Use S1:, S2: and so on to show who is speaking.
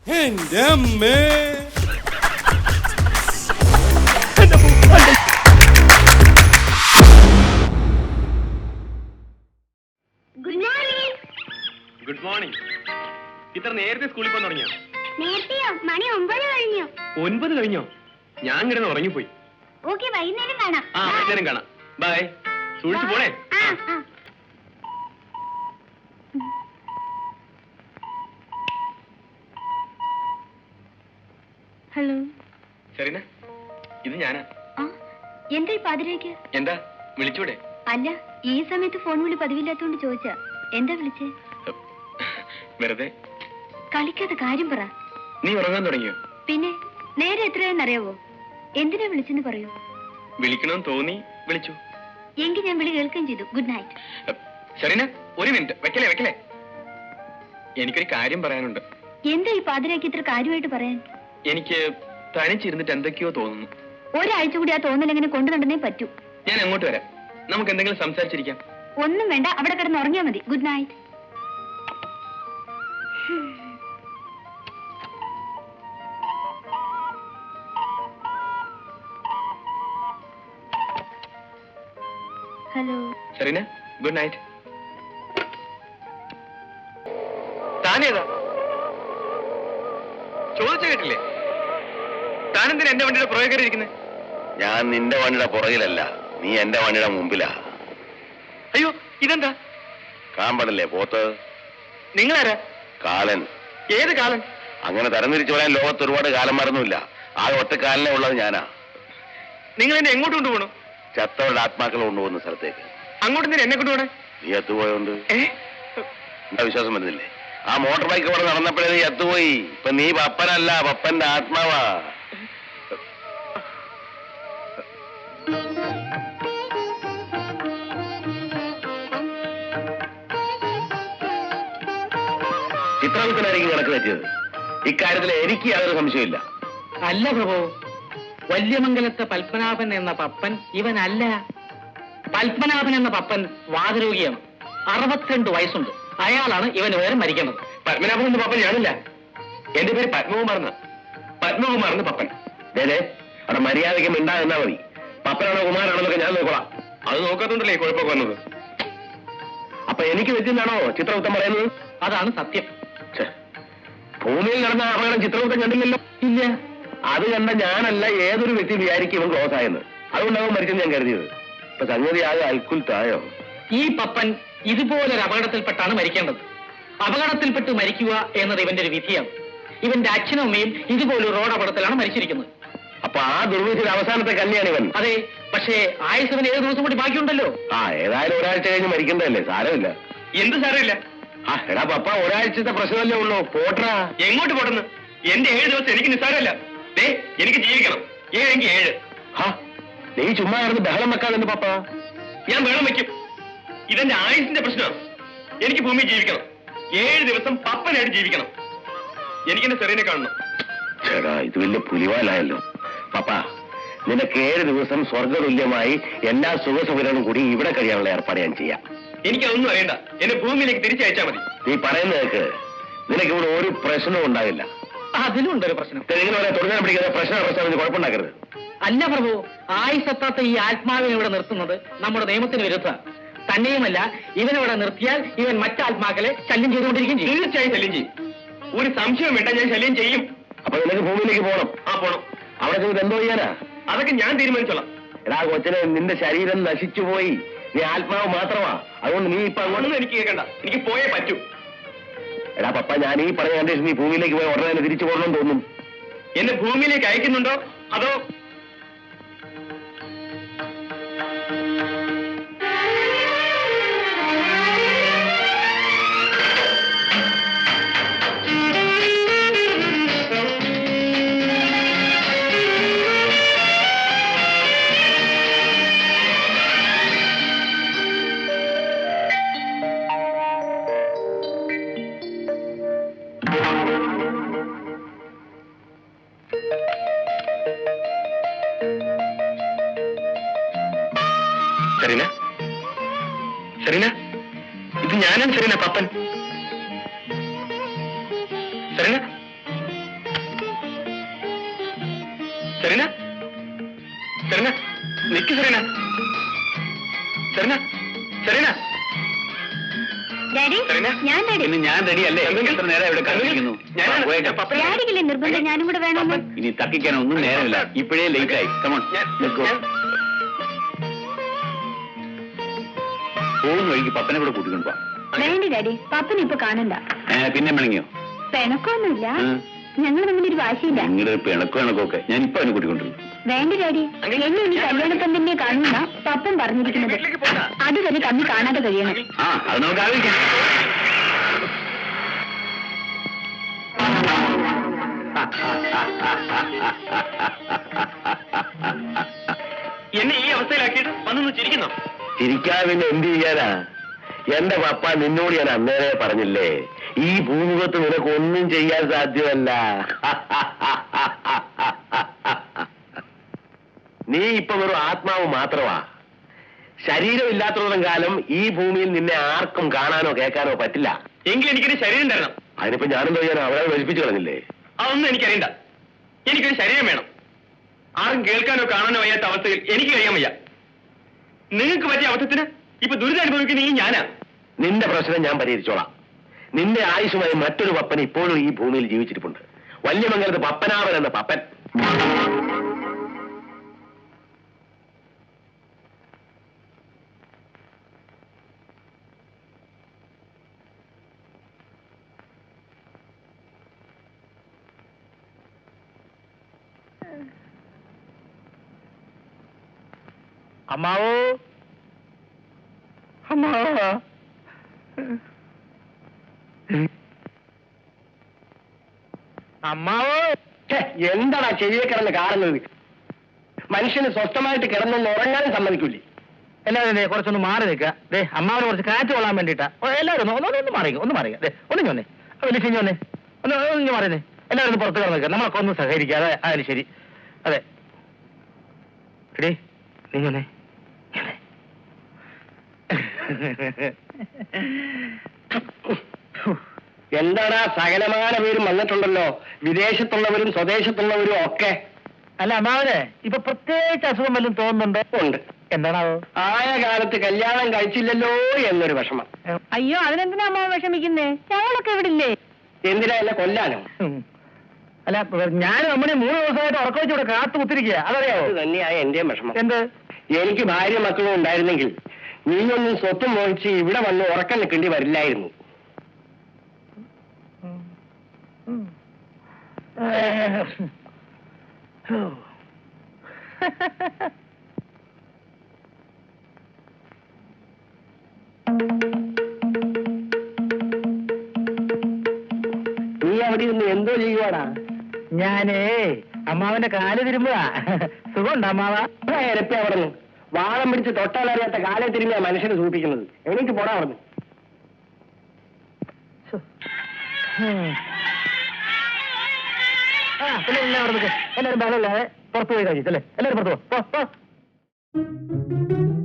S1: എന്റെ അമ്മേ.
S2: Good morning. ഇത്ര നേരത്തെ സ്കൂളിൽ പോകാൻ തുടങ്ങിയോ?
S3: നേരത്തെയോ? മണി 9 കഴിഞ്ഞു.
S2: 9 കഴിഞ്ഞോ? ഞാൻ കിടന്ന് ഉറങ്ങിപ്പോയി.
S3: ഓക്കെ, വൈകുന്നേരം കാണാം.
S2: വൈകുന്നേരം കാണാം. ബൈ. സൂക്ഷിച്ചു പോണേ.
S3: ഹലോ
S2: ശരീന, ഇത് ഞാനാ.
S3: എന്താ ഈ പാതിരേക്ക്?
S2: എന്താ വിളിച്ചൂടെ?
S3: അല്ല, ഈ സമയത്ത് ഫോൺ വിളി പതിവില്ലാത്തോണ്ട് ചോദിച്ചാ. എന്താ വിളിച്ചേ?
S2: വെറുതെ.
S3: കളിക്കാത്ത കാര്യം പറ.
S2: നീ ഉറങ്ങാൻ തുടങ്ങിയോ?
S3: പിന്നെ നേരെ എത്രയാണെന്നറിയാവോ? എന്തിനാ വിളിച്ചെന്ന് പറയൂ.
S2: വിളിക്കണമെന്ന് തോന്നി വിളിച്ചു.
S3: എങ്കിൽ ഞാൻ വിളി കേൾക്കുകയും ചെയ്തു. Good night.
S2: ശരീന, ഒരു മിനിറ്റ്. വെക്കലേ. എനിക്കൊരു കാര്യം പറയാനുണ്ട്.
S3: എന്താ ഈ പാതിരാക്കി ഇത്ര കാര്യമായിട്ട് പറയാൻ?
S2: എനിക്ക് തനിച്ചിരുന്നിട്ട് എന്തൊക്കെയോ തോന്നുന്നു.
S3: ഒരാഴ്ച കൂടി ആ തോന്നൽ എങ്ങനെ കൊണ്ടുനടന്നേ പറ്റൂ.
S2: ഞാൻ അങ്ങോട്ട് വരാം. നമുക്ക് എന്തെങ്കിലും സംസാരിച്ചിരിക്കാം.
S3: ഒന്നും വേണ്ട, അവിടെ കിടന്ന് ഉറങ്ങിയാൽ മതി. Good night. Hello
S2: Shareena, good night. താനേതാ? ചോദിച്ച കേട്ടില്ലേ? താനെന്തിനാ എന്റെ വണ്ടിയുടെ പുറകെ കയറിയിരിക്കുന്നത്?
S4: ഞാൻ നിന്റെ വണ്ടിയുടെ പുറകിലല്ല, നീ എന്റെ വണ്ടിയുടെ മുമ്പിലാ.
S2: അയ്യോ, ഇതെന്താ?
S4: കാമ്പടല്ലേ പോത്ത്?
S2: നിങ്ങളാരാ?
S4: കാലൻ.
S2: ഏത് കാലൻ?
S4: അങ്ങനെ തരംതിരിച്ചു പറയാൻ ലോകത്ത് ഒരുപാട് കാലന്മാരൊന്നുമില്ല. ആ ഒറ്റക്കാലനെ ഉള്ളത് ഞാനാ.
S2: നിങ്ങൾ എന്നെ എങ്ങോട്ട് കൊണ്ടുപോകണു?
S4: ചത്തവരുടെ ആത്മാക്കൾ കൊണ്ടുപോകുന്ന സ്ഥലത്തേക്ക്.
S2: അങ്ങോട്ട് എന്തിനാ എന്നെ കൊണ്ടുപോകണേ?
S4: നീ എത്തുപോയോണ്ട് എന്താ വിശ്വാസം വരുന്നില്ലേ? ആ മോട്ടോർ ബൈക്ക് ഇവിടെ നടന്നപ്പോഴേ നീ എത്തുപോയി. ഇപ്പൊ നീ പപ്പനല്ല, പപ്പന്റെ ആത്മാവാ. ചിത്രവിൽപ്പനായിരിക്കും കണക്ക് വെച്ചത്. ഇക്കാര്യത്തിൽ എനിക്ക് യാതൊരു സംശയമില്ല.
S5: അല്ല പ്രഭു, വല്യമംഗലത്തെ പത്മനാഭൻ എന്ന പപ്പൻ ഇവനല്ല. പത്മനാഭൻ എന്ന പപ്പൻ വാതരോഗിയാണ്. 62 വയസ്സുണ്ട്. അയാളാണ് ഇവന് വേറെ മരിക്കേണ്ടത്.
S2: പത്മനാഭൻ എന്ന പപ്പൻ ഞാനില്ല. എന്റെ പേര് പത്മകുമാറെന്ന. പത്മകുമാറെന്ന് പപ്പൻ.
S4: അവിടെ മര്യാദയ്ക്ക് മിണ്ടാ എന്നാ മതി. പപ്പനാണോ കുമാരാണോ എന്നൊക്കെ ഞാൻ നോക്കോളാം.
S2: അത് നോക്കാത്തോണ്ടല്ലേ കുഴപ്പമൊക്കെ വന്നത്.
S4: അപ്പൊ എനിക്ക് വെച്ചെന്നാണോ ചിത്രഗുപ്തൻ പറയുന്നത്?
S5: അതാണ് സത്യം.
S4: ഭൂമിയിൽ നടന്ന അപകടം ചിത്രഗുപ്തൻ കണ്ടില്ലല്ലോ.
S5: ഇല്ല.
S4: അത് കണ്ട ഞാനല്ല ഏതൊരു വ്യക്തി വിചാരിക്കും ഇവൻ ക്ലോസ് ആയെന്ന്. അതുകൊണ്ടാവും മരിച്ചെന്ന് ഞാൻ കരുതിയത്. ഇപ്പൊ സംഗതി ആകെ അൽക്കുൽത്തായോ.
S5: ഈ പപ്പൻ ഇതുപോലൊരു അപകടത്തിൽപ്പെട്ടാണ് മരിക്കേണ്ടത്. അപകടത്തിൽപ്പെട്ട് മരിക്കുക എന്നത് ഇവന്റെ ഒരു വിധിയാണ്. ഇവന്റെ അച്ഛനും അമ്മയും ഇതുപോലൊരു റോഡ് അപകടത്തിലാണ് മരിച്ചിരിക്കുന്നത്.
S4: അപ്പൊ ആ ദുർവിധിയുടെ അവസാനത്തെ കല്യാണം ഇവൻ.
S5: അതെ, പക്ഷേ ആയുസവന് 7 ദിവസം കൂടി ബാക്കിയുണ്ടല്ലോ.
S4: ഏതായാലും ഒരാഴ്ച കഴിഞ്ഞ് മരിക്കേണ്ടതല്ലേ, സാരമില്ല.
S2: എന്ത് സാരമില്ല?
S4: എടാ പപ്പ, ഒരാഴ്ചത്തെ പ്രശ്നമല്ലേ ഉള്ളൂ. പോട്ടാ.
S2: എങ്ങോട്ട് പോട്ടെന്ന്? എന്റെ 7 ദിവസം എനിക്ക് നിസ്സാരമല്ല. എനിക്ക് ജീവിക്കണം. 7
S4: നീ ചുമ്മാ കിടന്ന് ബഹളം വെക്കാതെന്ന് പപ്പ.
S2: ഞാൻ ബഹളം വെക്കും. ഇതെന്റെ ആയുസിന്റെ പ്രശ്നമാണ്. എനിക്ക് ഭൂമി ജീവിക്കണം. 7 ദിവസം പപ്പനായിട്ട് ജീവിക്കണം. എനിക്കെന്റെ ചെറിയനെ കാണണം.
S4: ചേടാ, ഇത് വലിയ പുലിവാലായല്ലോ. പപ്പ, നിനക്ക് 7 ദിവസം സ്വർഗതുല്യമായി എല്ലാ സുഖസൗകര്യങ്ങളും കൂടി ഇവിടെ കഴിയാനുള്ള ഏർപ്പാട് ഞാൻ ചെയ്യാം.
S2: എനിക്കതൊന്നും അറിയണ്ട. എന്നെ ഭൂമിയിലേക്ക് തിരിച്ചയച്ചാൽ മതി.
S4: നീ പറയുന്നത് കേൾക്ക്. നിനക്ക് ഇവിടെ ഒരു പ്രശ്നവും ഉണ്ടാകില്ല.
S5: അതിലുണ്ടൊരു പ്രശ്നം.
S4: തുടങ്ങാൻ പിടിക്കാതെ പ്രശ്നം കുഴപ്പമുണ്ടാക്കരുത്.
S5: അല്ല പ്രഭു, ആയുസത്താത്ത ഈ ആത്മാവിനെ ഇവിടെ നിർത്തുന്നത് നമ്മുടെ നിയമത്തിന് വിരുദ്ധ. തന്നെയുമല്ല, ഇവനിവിടെ നിർത്തിയാൽ ഇവൻ മറ്റാത്മാക്കളെ ശല്യം ചെയ്തുകൊണ്ടിരിക്കും.
S2: തീർച്ചയായും ശല്യം ചെയ്യും. ഒരു സംശയം വേണ്ട, ഞാൻ ശല്യം ചെയ്യും.
S4: അപ്പൊ നിനക്ക് ഭൂമിയിലേക്ക് പോകണം.
S2: പോണം.
S4: അവിടെ ചെന്നിട്ട് എന്തോ ചെയ്യാനാ?
S2: അതൊക്കെ ഞാൻ തീരുമാനിച്ചോളാം.
S4: എടാ കൊച്ചിനെ, നിന്റെ ശരീരം നശിച്ചുപോയി. നീ ആത്മാവ് മാത്രമാ. അതുകൊണ്ട് നീ ഇപ്പൊ
S2: അങ്ങോട്ടൊന്നും എനിക്ക് കേൾക്കണ്ട. എനിക്ക് പോയേ പറ്റൂ.
S4: എടാ പപ്പ, ഞാൻ ഈ പറഞ്ഞ കണ്ടീഷൻ നീ ഭൂമിയിലേക്ക് പോയി ഉടനെ തന്നെ തിരിച്ചു പോകണമെന്ന് തോന്നും.
S2: എന്നെ ഭൂമിയിലേക്ക് അയക്കുന്നുണ്ടോ അതോ? സെറീന, സെറീന, ഇത് ഞാനാണ് സെറീന, പപ്പൻ. സെറീന,
S3: ഞാൻ ready.
S4: പിന്നെ ഞാൻ റെഡി അല്ലേ? എത്ര നേരം ഇവിടെ കാത്തിരിക്കുന്നു?
S3: ഡാഡിക്കില്ലേ നിർബന്ധം ഞാനും കൂടെ വേണമെന്ന്?
S4: ഇനി തക്കിക്കാൻ ഒന്നും നേരമില്ല. ഇപ്പോഴേ ലേറ്റ് ആയി. കമോൺ, പോകുന്ന വഴിക്ക് പപ്പനെ കൂടെ കൂട്ടിക്കൊണ്ട് പോവാം.
S3: വേണ്ടി ഡാഡി, പപ്പനെ ഇപ്പൊ കാണണ്ട.
S4: പിന്നെ മിണങ്ങിയോ?
S3: പിണക്കൊന്നുമില്ല, ഞങ്ങൾ തമ്മിലൊരു വാശിയില്ല.
S4: നിങ്ങളുടെ പിണക്കമൊക്കെ ഞാൻ ഇപ്പൊ അവനെ കൂട്ടിക്കൊണ്ടിരുന്നു.
S3: വേണ്ട ഡാഡി, എന്നെ ഇനി കല്യാണപ്പം തന്നെ കാണുന്ന പപ്പൻ പറഞ്ഞിരിക്കുന്നത്. അതുവരെ തമ്മിൽ കാണാതെ കഴിയണം.
S4: ആ, അത് നമുക്ക് ആലോചിക്കാം.
S2: എന്നെ ഈ അവസ്ഥയിലാക്കിയിട്ട് വന്നൊന്ന് ചിരിക്കുന്നു.
S4: ചിരിക്കാൻ പിന്നെ എന്ത് ചെയ്യാനാ? എന്റെ പപ്പ നിന്നോട് ഞാൻ അന്നേരെ പറഞ്ഞില്ലേ, ഈ ഭൂമുഖത്ത് നിനക്ക് ഒന്നും ചെയ്യാൻ സാധ്യമല്ല. നീ ഇപ്പൊ വെറും ആത്മാവ് മാത്രമാ. ശരീരം ഇല്ലാത്തത്തോളം കാലം ഈ ഭൂമിയിൽ നിന്നെ ആർക്കും കാണാനോ കേൾക്കാനോ പറ്റില്ല.
S2: എങ്കിൽ എനിക്കൊരു ശരീരം തരണം.
S4: അതിനിപ്പോ ഞാനെന്തോ ചെയ്യാനോ? അവരെ വലിപ്പിച്ചു കളഞ്ഞില്ലേ?
S2: അതൊന്നും എനിക്കറിയണ്ട. എനിക്കൊരു ശരീരം വേണം. ആരും കേൾക്കാനോ കാണാനോ വയ്യാത്ത അവസ്ഥയിൽ എനിക്ക് കഴിയാൻ വയ്യ. നിങ്ങൾക്ക് പറ്റിയ അവസ്ഥത്തിന് ഇപ്പൊ ദുരിതം അനുഭവിക്കുന്ന ഈ ഞാനാ.
S4: നിന്റെ പ്രശ്നം ഞാൻ പരിഹരിച്ചോളാം. നിന്റെ ആയുഷുമായി മറ്റൊരു പപ്പൻ ഇപ്പോഴും ഈ ഭൂമിയിൽ ജീവിച്ചിരിപ്പുണ്ട്. വല്യമംഗലത്ത് പപ്പനാവൻ എന്ന പപ്പൻ.
S5: അമ്മാവോ, അമ്മാവോ, അമ്മാവോ.
S4: എന്താടാ ചെവിയെ കിടന്ന് കാണുന്നത്? മനുഷ്യന് സ്വസ്ഥമായിട്ട് കിടന്നൊന്ന് ഉറങ്ങാനും സമ്മതിക്കൂലേ?
S5: എല്ലാവരും കുറച്ചൊന്ന് മാറി നിൽക്കുക. അമ്മാവനെ കുറച്ച് കാറ്റ് കൊള്ളാൻ വേണ്ടിയിട്ടാ. എല്ലാവരും ഒന്ന് മാറിക്കുക, ഒന്ന് മാറിക്കുക. ഒന്ന് ഞൊന്നേ, വലിയ ഞൊന്നേ, ഒന്ന് മാറിയേ. എല്ലാവരും ഒന്ന് പുറത്ത് കിടന്ന് നിൽക്കുക. നമ്മളൊക്കെ ഒന്ന് സഹകരിക്കാതെ. അതിന് ശരി. അതെ, എടേ നീ ഞൊന്നേ.
S4: എന്താടാ സകലമാന പേരും വന്നിട്ടുണ്ടല്ലോ, വിദേശത്തുള്ളവരും സ്വദേശത്തുള്ളവരും ഒക്കെ.
S5: അല്ല അമ്മാവനെ ഇപ്പൊ പ്രത്യേകിച്ച് അസുഖം വല്ലതും തോന്നുന്നുണ്ടോ?
S4: ഉണ്ട്.
S5: എന്താണാവോ?
S4: ആയ കാലത്ത് കല്യാണം കഴിച്ചില്ലല്ലോ എന്നൊരു വിഷമം.
S3: അയ്യോ, അതിനെന്തിനാ അമ്മാവൻ വിഷമിക്കുന്നേ? ഞങ്ങളൊക്കെ ഇവിടെ ഇല്ലേ?
S4: എന്തിനാ എന്നെ കൊല്ലാനോ?
S5: അല്ല, ഞാൻ നമ്മുടെ 3 ദിവസമായിട്ട് ഉറക്കം വെച്ച് ഇവിടെ കാത്തു കുത്തിരിക്കുക. അതറിയാവോ?
S4: അത് തന്നെയായ എന്റെയും വിഷമം.
S5: എന്ത്?
S4: എനിക്ക് ഭാര്യ മക്കളും ഉണ്ടായിരുന്നെങ്കിൽ നീയൊന്നും സ്വത്തും മോഹിച്ച് ഇവിടെ വന്ന് ഉറക്കം നിൽക്കേണ്ടി വരില്ലായിരുന്നു. നീ അവിടെ നിന്ന് എന്തോ ചെയ്യുവാടാ?
S5: ഞാനേ അമ്മാവന്റെ കാല് തിരുമ്പുക. സുഖമുണ്ടോ അമ്മാവ?
S4: ഇരപ്പി അവിടെ നിന്ന് വാളം പിടിച്ച് തൊട്ടാലറിയാത്ത കാലെ തിരുമ്മിയാ മനുഷ്യനെ സൂചിപ്പിക്കുന്നത്. എനിക്ക് പോടാ അവിടെ.
S5: എല്ലാവരും ബഹളമില്ലാതെ പുറത്തു പോയി കഴിച്ചല്ലേ? എല്ലാവരും പുറത്തു പോ.